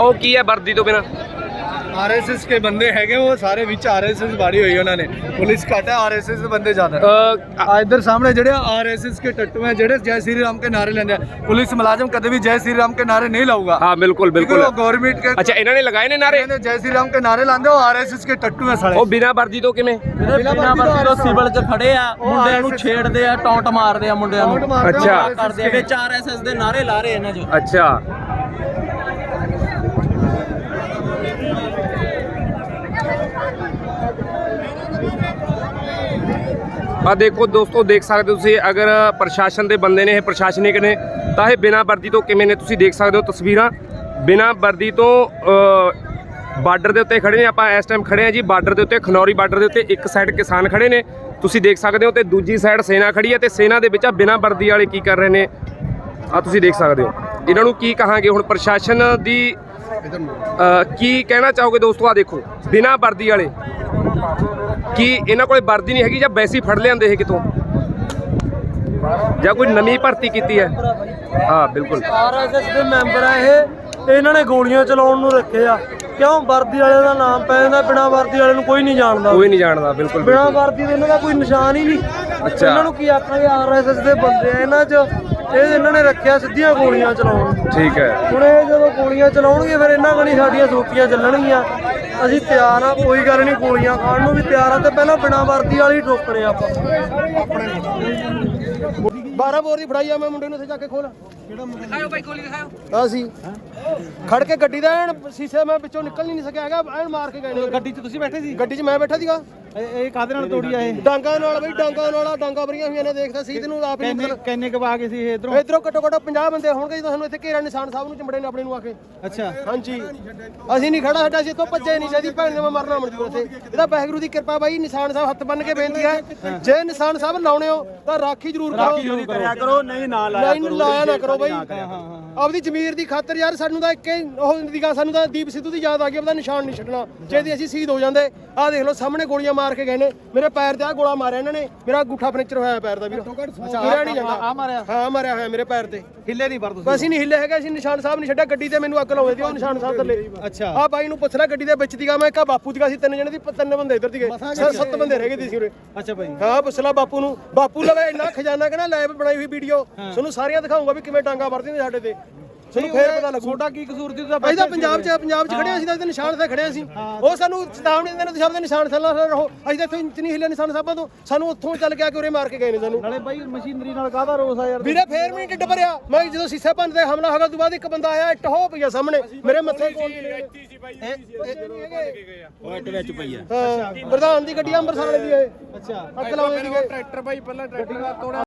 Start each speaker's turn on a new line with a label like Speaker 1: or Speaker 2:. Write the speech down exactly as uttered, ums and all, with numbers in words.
Speaker 1: ਉਹ ਕੀ ਹੈ ਵਰਦੀ ਤੋਂ ਬਿਨਾਂ?
Speaker 2: आरएसएस के बंदे हैगे वो सारे विच आरएसएस बाड़ी हुई है उन्होंने पुलिस घट है आरएसएस के बंदे ज्यादा आ इधर सामने जेडे आरएसएस के टट्टू हैं जेडे जय श्री राम के नारे लेंदे पुलिस मुलाजिम कदे भी जय श्री राम के नारे नहीं लाऊगा।
Speaker 1: हाँ बिल्कुल बिल्कुल
Speaker 2: गवर्नमेंट के
Speaker 1: अच्छा इन्होंने लगाए ने नारे
Speaker 2: जय श्री राम के नारे लांदे वो आरएसएस के टट्टू हैं साले।
Speaker 1: ਉਹ ਬਿਨਾਂ ਵਰਦੀ ਤੋਂ ਕਿਵੇਂ?
Speaker 3: ਬਿਨਾਂ ਵਰਦੀ ਤੋਂ ਸਿਵਲ 'ਚ ਖੜੇ ਆ ਮੁੰਡਿਆਂ ਨੂੰ ਛੇੜਦੇ ਆ ਟੌਂਟ ਮਾਰਦੇ ਆ ਮੁੰਡਿਆਂ ਨੂੰ
Speaker 1: ਅੱਛਾ
Speaker 3: ਕਰਦੇ ਆ ਵਿੱਚ ਆਰਐਸਐਸ ਦੇ ਨਾਰੇ ਲਾ ਰਹੇ ਇਹਨਾਂ 'ਚ।
Speaker 1: ਅੱਛਾ ਆ ਦੇਖੋ ਦੋਸਤੋ ਦੇਖ ਸਕਦੇ ਹੋ ਤੁਸੀਂ ਅਗਰ ਪ੍ਰਸ਼ਾਸਨ ਦੇ ਬੰਦੇ ਨੇ ਇਹ ਪ੍ਰਸ਼ਾਸਨਿਕ ਨੇ ਤਾਂ ਇਹ ਬਿਨਾਂ ਵਰਦੀ ਤੋਂ ਕਿਵੇਂ ਨੇ ਤੁਸੀਂ ਦੇਖ ਸਕਦੇ ਹੋ ਤਸਵੀਰਾਂ ਬਿਨਾਂ ਵਰਦੀ ਤੋਂ ਬਾਰਡਰ ਦੇ ਉੱਤੇ ਖੜੇ ਨੇ ਆਪਾਂ ਇਸ ਟਾਈਮ ਖੜੇ ਆ ਜੀ ਬਾਰਡਰ ਦੇ ਉੱਤੇ ਖਨੌਰੀ ਬਾਰਡਰ ਦੇ ਉੱਤੇ ਇੱਕ ਸਾਈਡ ਕਿਸਾਨ ਖੜੇ ਨੇ ਤੁਸੀਂ ਦੇਖ ਸਕਦੇ ਹੋ ਤੇ ਦੂਜੀ ਸਾਈਡ ਸੈਨਾ ਖੜੀ ਹੈ ਤੇ ਸੈਨਾ ਦੇ ਵਿੱਚ ਆ ਬਿਨਾਂ ਵਰਦੀ ਵਾਲੇ ਕੀ ਕਰ ਰਹੇ ਨੇ ਆ ਤੁਸੀਂ ਦੇਖ ਸਕਦੇ ਹੋ ਇਹਨਾਂ ਨੂੰ ਕੀ ਕਹਾਂਗੇ ਹੁਣ ਪ੍ਰਸ਼ਾਸਨ ਦੀ ਕੀ ਕਹਿਣਾ ਚਾਹੋਗੇ ਦੋਸਤੋ ਆ ਦੇਖੋ ਬਿਨਾਂ ਵਰਦੀ ਵਾਲੇ ਕੀ ਇਹਨਾਂ ਕੋਲੇ ਵਰਦੀ ਨਹੀਂ ਹੈਗੀ ਜਾਂ ਵੈਸੇ ਹੀ ਫੜ ਲਿਆਂਦੇ ਇਹ ਕਿਤੋਂ ਜਾਂ ਕੋਈ ਨਵੀਂ ਭਰਤੀ ਕੀਤੀ ਹੈ? ਹਾਂ ਬਿਲਕੁਲ
Speaker 4: ਆਰਐਸਐਸ ਦੇ ਮੈਂਬਰ ਆ ਇਹ ਇਹਨਾਂ ਨੇ ਗੋਲੀਆਂ ਚਲਾਉਣ ਨੂੰ ਰੱਖੇ ਆ ਕਿਉਂ ਵਰਦੀ ਵਾਲੇ ਦਾ ਨਾਮ ਪੈ ਜਾਂਦਾ ਬਿਨਾਂ ਵਰਦੀ ਵਾਲੇ ਨੂੰ ਕੋਈ ਨਹੀਂ ਜਾਣਦਾ
Speaker 1: ਕੋਈ ਨਹੀਂ ਜਾਣਦਾ ਬਿਲਕੁਲ
Speaker 4: ਬਿਨਾਂ ਵਰਦੀ ਦੇ ਇਹਨਾਂ ਦਾ ਕੋਈ ਨਿਸ਼ਾਨ ਹੀ ਨਹੀਂ।
Speaker 1: ਅੱਛਾ
Speaker 4: ਇਹਨਾਂ ਨੂੰ ਕੀ ਆਖਾਂਗੇ ਆਰਐਸਐਸ ਦੇ ਬੰਦੇ ਆ ਇਹਨਾਂ 'ਚ ਇਹ ਇਹਨਾਂ ਨੇ ਰੱਖਿਆ ਸਿੱਧੀਆਂ ਗੋਲੀਆਂ ਚਲਾਉਣ।
Speaker 1: ਠੀਕ ਹੈ
Speaker 4: ਹੁਣ ਇਹ ਜਦੋਂ ਗੋਲੀਆਂ ਚਲਾਉਣਗੇ ਫਿਰ ਇਹਨਾਂ ਕਣੀ ਸਾਡੀਆਂ ਸੋਪੀਆਂ ਚੱਲਣਗੀਆਂ ਅਸੀਂ ਤਿਆਰ ਆ ਕੋਈ ਗੱਲ ਨਹੀਂ ਗੋਲੀਆਂ ਖਾਣ ਨੂੰ ਵੀ ਤਿਆਰ ਆ ਤੇ ਪਹਿਲਾਂ ਬਿਨਾਂ ਵਰਦੀ ਵਾਲੀ ਠੋਕਣੇ ਆਪਾਂ।
Speaker 2: बारह बोर की फड़ाई आ मैं मुंडे ਨੂੰ जाके खोल दिखाओ भाई खोली दिखाओ ਆ ਸੀ ਖੜ ਕੇ ਗੱਡੀ ਦਾ ਐਨ ਸ਼ੀਸ਼ੇ ਮੈਂ ਵਿੱਚੋਂ ਨਿਕਲ ਨਹੀਂ ਸਕਿਆ ਹੈਗਾ ਐਨ ਮਾਰ ਕੇ ਗਏ ਨੇ। ਗੱਡੀ 'ਚ ਤੁਸੀਂ ਬੈਠੇ ਸੀ? ਗੱਡੀ 'ਚ ਮੈਂ ਬੈਠਾ ਸੀਗਾ।
Speaker 4: ਇਹ ਕਾਦੇ ਨਾਲ ਤੋੜੀ ਆ ਇਹ?
Speaker 2: ਡਾਂਗਾ ਨਾਲ ਬਈ ਡਾਂਗਾ ਨਾਲ ਡਾਂਗਾ ਭਰੀਆਂ ਹੋਈਆਂ ਨੇ ਦੇਖਦਾ ਸੀ ਤੈਨੂੰ ਆਪ ਹੀ
Speaker 4: ਕਿੰਨੇ ਕਵਾ ਕੇ ਸੀ ਇਹ ਇਧਰੋਂ?
Speaker 2: ਇਧਰੋਂ ਘੱਟੋ ਘੱਟ ਪੰਜਾਹ ਬੰਦੇ ਹੋਣਗੇ ਜਦੋਂ ਸਾਨੂੰ ਇੱਥੇ ਘੇਰਾ ਨਿਸ਼ਾਨ ਸਾਹਿਬ ਨੂੰ ਚੰਬੜੇ ਨੇ ਆਪਣੇ ਨੂੰ ਆ ਕੇ।
Speaker 4: ਅੱਛਾ
Speaker 2: ਹਾਂਜੀ ਅਸੀਂ ਨਹੀਂ ਖੜਾ ਸਾਡਾ ਸੀ ਇੱਥੋਂ ਭੱਜੇ ਨਹੀਂ ਚਾਹੀਦੀ ਭੈਣ ਨੇ ਮੈਂ ਮਰਨਾ ਮਨਜੂਰ ਇੱਥੇ ਇਹਦਾ ਵਾਹਿਗੁਰੂ ਦੀ ਕਿਰਪਾ ਬਾਈ ਨਿਸ਼ਾਨ ਸਾਹਿਬ ਹੱਥ ਬੰਨ ਕੇ ਬੇਨਤੀ ਹੈ ਜੇ ਨਿਸ਼ਾਨ ਸਾਹਿਬ ਲਾਉਣੇ ਹੋ ਤਾਂ ਰਾਖੀ ਜ਼ਰੂਰ ਕਰੋ
Speaker 4: ਕਰਿਆ ਕਰੋ ਨਹੀਂ ਨਾ ਲਾਇਆ
Speaker 2: ਨਹੀਂ ਲਾਇਆ ਨਾ ਕਰੋ ਬਾਈ ਆਪਦੀ ਜ਼ਮੀਰ ਦੀ ਖਾਤਰ ਯਾਰ ਸਾਨੂੰ ਤਾਂ ਇੱਕ ਉਹ ਦੀ ਗੱਲ ਸਾਨੂੰ ਤਾਂ ਦੀਪ ਸਿੱਧੂ ਦੀ ਯਾਦ ਆ ਗਈ ਉਹਦਾ ਨਿਸ਼ਾਨ ਨਹੀਂ ਛੱਡਣਾ ਜੇ ਅਸੀਂ ਸ਼ਹੀਦ ਹੋ ਜਾਂਦੇ ਆਹ ਦੇਖ ਲਓ ਸਾਹਮਣੇ ਗੋਲੀਆਂ ਮਾਰ ਕੇ ਗਏ ਨੇ ਮੇਰੇ ਪੈਰ ਤੇ ਆ ਗੋਲਾ ਮਾਰਿਆ ਇਹਨਾਂ ਨੇ ਮੇਰਾ ਅੰਗੂਠਾ ਫਰਨੀਚਰ ਹੋਇਆ ਪੈਰ ਦਾ ਵੀਰ ਤੁਰਿਆ ਨਹੀਂ ਜਾਂਦਾ
Speaker 4: ਆ ਮਾਰਿਆ
Speaker 2: ਹਾਂ ਮਾਰਿਆ ਹੋਇਆ ਮੇਰੇ ਪੈਰ ਤੇ
Speaker 4: ਹਿੱਲੇ ਨਹੀਂ ਪਰ ਤੁਸੀਂ
Speaker 2: ਅਸੀਂ ਨਹੀਂ ਹਿੱਲੇ ਹੈਗਾ ਅਸੀਂ ਨਿਸ਼ਾਨ ਸਾਹਿਬ ਨਹੀਂ ਛੱਡਿਆ ਗੱਡੀ ਤੇ ਮੈਨੂੰ ਅੱਗ ਲਾਉਂਦੇ ਸੀ ਉਹ ਨਿਸ਼ਾਨ ਸਾਹਿਬ ਥੱਲੇ।
Speaker 4: ਅੱਛਾ
Speaker 2: ਆ ਬਾਈ ਨੂੰ ਪੁੱਛ ਲੈ ਗੱਡੀ ਦੇ ਵਿੱਚ ਦੀਗਾ ਮੈਂ ਕਹਾ ਬਾਪੂ ਦੀਗਾ ਸੀ ਤਿੰਨ ਜਣੇ ਦੀ ਤਿੰਨ ਬੰਦੇ ਇੱਧਰ ਦੀਗੇ ਸੱਤ ਬੰਦੇ ਰਹਿ ਗਏ ਸੀ ਉਰੇ।
Speaker 4: ਅੱਛਾ ਭਾਈ
Speaker 2: ਹਾਂ ਪੁੱਛ ਲੈ ਬਾਪੂ ਨੂੰ ਬਾਪੂ ਲਵੇ ਇੰਨਾ ਖਜ਼ਾਨਾ ਕਹਿੰਦਾ ਲੈਬ ਬਣਾਈ ਹੋਈ ਵੀਡੀਓ ਤੁਹਾਨੂੰ ਸਾਰੀਆਂ ਦਿਖਾਉਂਗਾ ਵੀ ਕਿਵੇਂ ਡਾਂਗਾ ਵਰਦੀ ਨੇ ਸਾਡੇ ਤੇ ਤੁਹਾਨੂੰ ਫੇਰ ਪਤਾ ਲੱਗੂ
Speaker 4: ਛੋਟਾ ਕੀ ਕਸੂਰ ਸੀ ਤੁਸੀਂ
Speaker 2: ਅਸੀਂ ਤਾਂ ਪੰਜਾਬ 'ਚ ਪੰਜਾਬ 'ਚ ਖੜੇ ਅਸੀਂ ਤਾਂ ਇਹਦੇ ਨਿਸ਼ਾਨ ਤੇ ਖੜੇ ਸੀ ਉਹ ਸਾਨੂੰ ਚੇਤਾਵਨੀ ਦਿੰਦੇ ਨੇ ਤੁਸੀਂ ਆਪਣੇ ਨਿਸ਼ਾਨ ਥੱਲੇ ਰਹੋ ਅਸੀਂ ਤਾਂ ਇੱਥੋਂ ਇੰਚ ਨਹੀਂ ਹਿੱਲੇ ਨਿਸ਼ਾਨ ਸਾਹਿਬਾਂ ਤੋਂ ਸਾਨੂੰ ਉੱਥੋਂ ਚੱਲ ਕੇ ਆ ਕੇ ਉਰੇ ਮਾਰ ਕੇ ਗਏ ਨੇ ਸਾਨੂੰ
Speaker 4: ਨਾਲੇ ਬਾਈ ਮਸ਼ੀਨਰੀ ਨਾਲ ਕਾਹਦਾ ਰੋਸ ਆ ਯਾਰ
Speaker 2: ਵੀਰੇ ਫੇਰ ਵੀ ਢਿੱਡ ਭਰਿਆ ਮੈਂ ਜਦੋਂ ਸੀਸੇ ਭੰਨ ਤੇ ਹਮਲਾ ਹੋਗਾ ਤੋਂ ਬਾਅਦ ਇੱਕ ਬੰਦਾ ਆਇਆ ਇੱਟ ਹੋ ਪਈਆ ਸਾਹਮਣੇ ਮੇਰੇ ਮੱਥੇ ਕੋਲ
Speaker 4: ਉਹ ਇੱਟ ਵਿੱਚ ਪਈ ਆ
Speaker 2: ਹਾਂ ਪ੍ਰਧਾਨ ਦੀ ਗੱਡੀ ਅੰਮ੍ਰਿਤਸਰ ਵਾਲੇ ਦੀ ਇਹ
Speaker 4: ਅੱਛਾ
Speaker 2: ਅੱਗ ਲਾਉਂਦੇ ਸੀਗੇ
Speaker 4: ਟਰੈਕਟਰ ਬਾਈ ਪਹਿਲਾਂ ਟਰੈਕਟਰ ਤੋੜਿਆ